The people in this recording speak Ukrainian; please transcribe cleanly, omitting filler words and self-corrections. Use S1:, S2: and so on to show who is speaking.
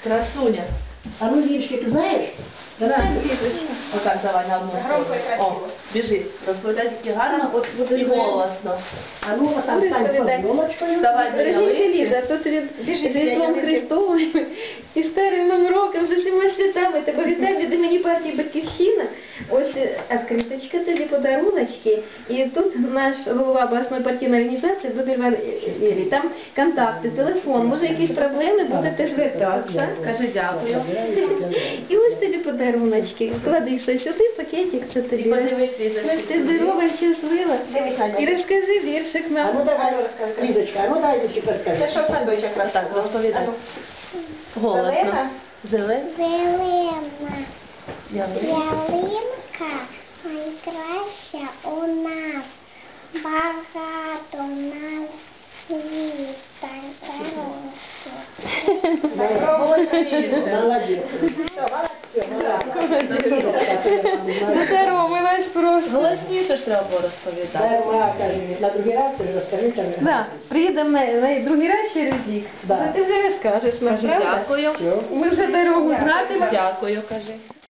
S1: Красуня.
S2: А ну віршик знаєш?
S1: Отак давай на одну сторону. О, біжи. Розповідай тільки гарно і голосно.
S2: А ну отам стань під ёлочкою.
S1: Вставай до
S3: Дорогенька
S1: ялинки.
S3: Ліза, тут від Різдвом Христовим і старим Новим роком з усіма святами тебе вітаю від імені партії «Батьківщина». Ось відкриточка, тобі подаруночки. І тут наш голова обласної партійної організації Дубіль Валерій. Там контакти, телефон. Може якісь проблеми, будете звертатися.
S1: Кажи дякую.
S3: І ось тобі подаруночки. Клади все сюди, пакетик, це
S1: І
S3: тобі.
S1: подивись, Лізочка.
S3: Ти здорова, щаслива. І розкажи віршик
S2: А
S3: нам.
S2: ну давай, Лізочка, а ну дай віршик розкажи.
S4: Це що в садочок
S1: Так, розповідай. Голосно.
S4: Зелена?
S1: Зелена.
S5: Зелена
S1: Ялинка.
S5: ялинка найкраща у нас. Багато в нас світань
S2: Молодець.
S3: Здоровилась просто.
S1: Голосніше ж треба було розповідати.
S2: Дарма, каже, на другий раз ти ж розкажи, каже.
S3: Да, приїдемо на другий раз через рік.
S2: Да.
S3: Вже ти вже розкажеш нам,
S1: Кажи
S3: правда?
S1: дякую.
S3: Ми вже дорогу знатимемо.
S1: Дякую, кажи.